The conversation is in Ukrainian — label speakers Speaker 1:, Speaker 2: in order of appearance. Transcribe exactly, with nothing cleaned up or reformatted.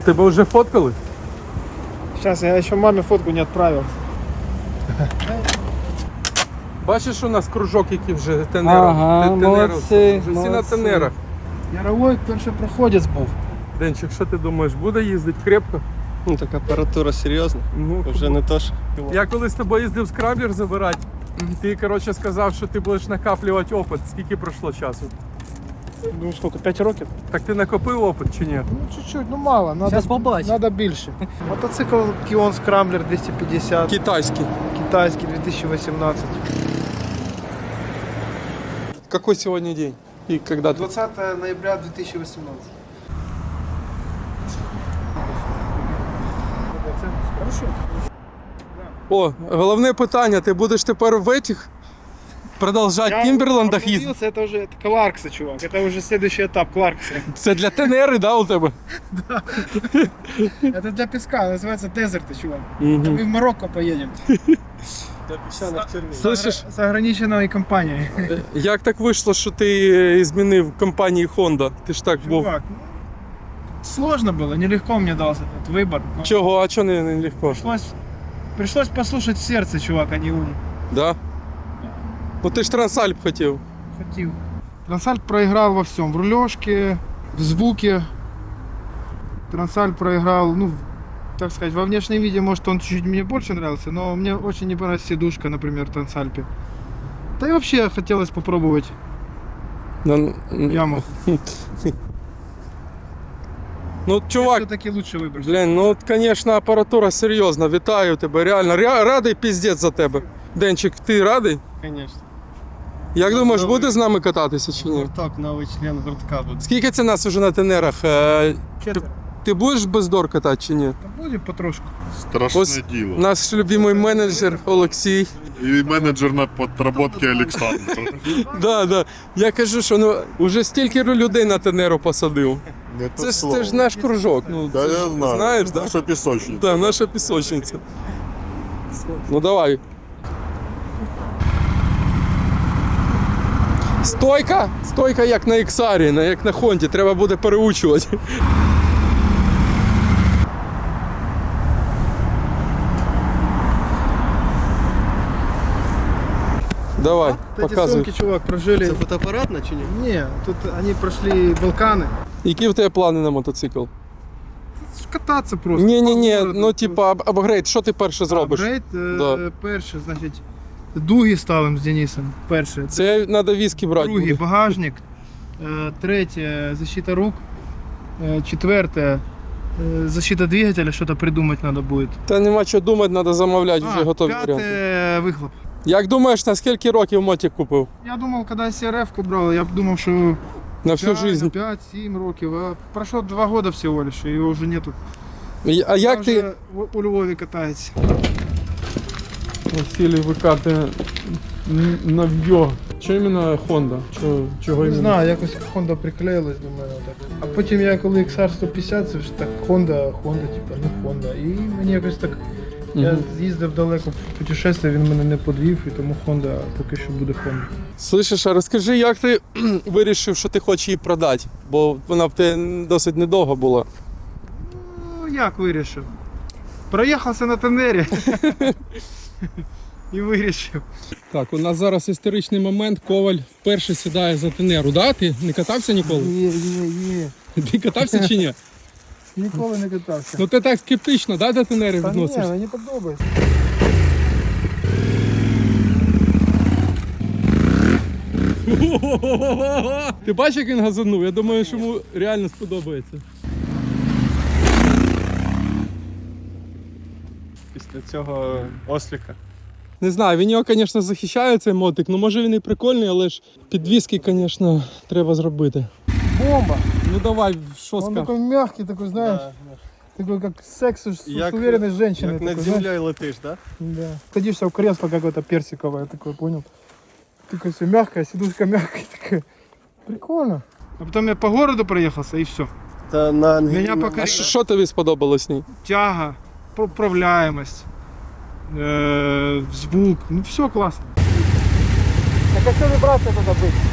Speaker 1: Тебе вже фоткали?
Speaker 2: Сейчас, я еще маме фотку не отправил.
Speaker 1: Бачиш, у нас кружок, який вже тенера.
Speaker 2: Ага,
Speaker 1: Те- тенера.
Speaker 2: молодці,
Speaker 1: Вже всі на
Speaker 2: молодці.
Speaker 1: тенерах.
Speaker 2: Яровой першопроходець був.
Speaker 1: Денчик, що ти думаєш, буде їздити крепко?
Speaker 3: Ну так апаратура серйозна,
Speaker 1: Ну,
Speaker 3: вже не то ж.
Speaker 1: Я коли з тобою їздив скраблер забирати, ти, коротше, сказав, що ти будеш накаплювати опит. Скільки пройшло часу?
Speaker 2: Ну сколько, п'ять років?
Speaker 1: Так ти накопив опит чи ні?
Speaker 2: Ну чуть-чуть, ну мало, надо,
Speaker 4: Сейчас побачимо.
Speaker 2: надо більше. Мотоцикл Kion Scrambler двісті п'ятдесят,
Speaker 1: Китайський.
Speaker 2: китайский две тысячи восемнадцать.
Speaker 1: Какой сегодня день? И когда ты?
Speaker 2: двадцатое ноября две тысячи восемнадцать. Хорошо.
Speaker 1: О, головне питання, ти будеш тепер в этих продовжати в Кімберлендах їздити?
Speaker 2: Это уже это Кларкса, чувак. Это уже следующий этап Кларкса.
Speaker 1: Це для тенери, да, у тебе?
Speaker 2: Это для песка, называется дезерт, чувак.
Speaker 1: Угу.
Speaker 2: Мы в Марокко поедем.
Speaker 3: Для піщаних червів.
Speaker 1: Слышиш,
Speaker 2: С ограниченной компанией.
Speaker 1: як так вийшло, що ти змінив компанії Honda? Ти ж так був.
Speaker 2: Чувак, ну, сложно было, нелегко мне дался этот выбор. но
Speaker 1: Чого, а чого не, не легко?
Speaker 2: Пришлось, пришлось послушать сердце, чувак, а не ум.
Speaker 1: Да? Ну ти ж Трансальп хотів.
Speaker 2: Хотел. Трансальп проиграл во всем. В рулежке, в звуке. Трансальп проиграл, ну, так сказать, во внешнем виде, может, он чуть-чуть мне больше нравился, но мне очень не понравилась сидушка, например, в Трансальпе. Да и вообще хотелось попробовать
Speaker 1: Ну,
Speaker 2: яму.
Speaker 1: ну чувак,
Speaker 2: Все-таки лучше выбрать.
Speaker 1: блін, ну, звісно, апаратура серйозна. Вітаю тебе, реально. Ря- радий піздець за тебе. Денчик, ти радий?
Speaker 3: Звісно.
Speaker 1: Як думаєш,
Speaker 3: Новий.
Speaker 1: буде з нами кататися чи ні?
Speaker 3: Гурток, новий член гуртка буде.
Speaker 1: Скільки це нас уже на тенерах? Е,
Speaker 2: Четверо.
Speaker 1: Ти будеш без дор катати чи ні?
Speaker 2: Да будет потрошку.
Speaker 5: Страшне
Speaker 1: Ось
Speaker 5: діло.
Speaker 1: наш любимий менеджер Олексій.
Speaker 5: І менеджер на підроботки Олександр.
Speaker 1: Да, да. Я кажу, що ну уже стільки людей на тенеру посадив.
Speaker 5: Не
Speaker 1: Це
Speaker 5: те
Speaker 1: ж
Speaker 5: слово.
Speaker 1: це ж наш кружок. Ну
Speaker 5: Да,
Speaker 1: це
Speaker 5: я
Speaker 1: ж,
Speaker 5: знаю.
Speaker 1: знаєш, да?
Speaker 5: Наша пісочниця.
Speaker 1: Да, наша пісочниця. Ну давай. Стойка, стойка як на Іксарі, на- як на Хонді, треба буде переучувати. Давай,
Speaker 2: Вот эти
Speaker 1: показуй.
Speaker 2: сумки, чувак, прожили.
Speaker 3: Це фотоапаратна чи ні?
Speaker 2: Не, тут они прошли Балканы.
Speaker 1: Які в тебе плани на мотоцикл?
Speaker 2: Кататься просто.
Speaker 1: Ні, ні,
Speaker 2: По
Speaker 1: ні,
Speaker 2: городу.
Speaker 1: ну типа ап- апгрейд, що ти перше зробиш?
Speaker 2: Апгрейд, е,
Speaker 1: Да.
Speaker 2: перше, значить, дуги ставимо з Денисом. Перше.
Speaker 1: Це треба віскі брати.
Speaker 2: Другий
Speaker 1: буде.
Speaker 2: багажник. Е, Третє защита рук. Е, Четверте е, защита двигателя, що-то придумати треба буде.
Speaker 1: Та нема що думати, треба замовляти вже готові варіанти.
Speaker 2: П'яте вихлоп.
Speaker 1: Як думаєш, на скільки років мотик купив?
Speaker 2: Я думав, коли сі ар еф-ку брав, я думав, що
Speaker 1: На всю життя.
Speaker 2: п'ять-сім років. А пройшло два роки всього лише, і його вже нету.
Speaker 1: А як
Speaker 2: Він
Speaker 1: ти
Speaker 2: вже у- у Львові катається.
Speaker 1: Василій викати нов'йо? Що іменно Honda? Чого, чого
Speaker 2: Не
Speaker 1: іменно?
Speaker 2: знаю, якось Honda приклеїлась до мене. Так. А потім я коли ікс ар сто п'ятдесят, це ж так Honda, Honda, типа, ну Honda. І мені якось так. Я
Speaker 1: Мгм.
Speaker 2: з'їздив далеко в путешествие, він мене не подвів, і тому Honda поки що буде Honda.
Speaker 1: Слышиш, а розкажи, як ти вирішив, що ти хочеш її продати? Бо вона в тебе досить недовго була.
Speaker 2: Ну як вирішив? Проїхався на тенері. І вирішив.
Speaker 1: Так, у нас зараз історичний момент. Коваль вперше сідає за тенеру. Да? Ти не катався ніколи?
Speaker 2: Є, є, є.
Speaker 1: Ти катався чи ні?
Speaker 2: Ніколи не катався.
Speaker 1: Ну ти так скептично, да, до тенери
Speaker 2: Та ні,
Speaker 1: відносишся?
Speaker 2: мені подобається.
Speaker 1: Ти бачиш, як він газанув? Я думаю, що йому реально сподобається.
Speaker 3: Після цього осліка.
Speaker 1: Не знаю, він його, звісно, захищає цей мотик. Ну може він і прикольний, але ж підвіски, звісно, треба зробити.
Speaker 2: Бомба!
Speaker 1: Ну давай, що
Speaker 2: Он
Speaker 1: скажеш?
Speaker 2: такой мягкий, такой, знаешь, такой как секс с,
Speaker 3: Як-
Speaker 2: с уверенной женщиной.
Speaker 3: Як над
Speaker 2: такой, знаешь.
Speaker 3: землею летиш, так?
Speaker 2: Да. Садишься в кресло какое-то персиковое, такое, понял? Такое все мягкое, сидушка мягкая такая. Прикольно. А потом я по городу проехался и все.
Speaker 3: Та на
Speaker 2: Меня
Speaker 3: на-
Speaker 2: пока-
Speaker 1: А що, що тобі сподобалось в ній?
Speaker 2: Тяга, управляемость, э, звук, ну все классно. Так а что вибрация надо быть?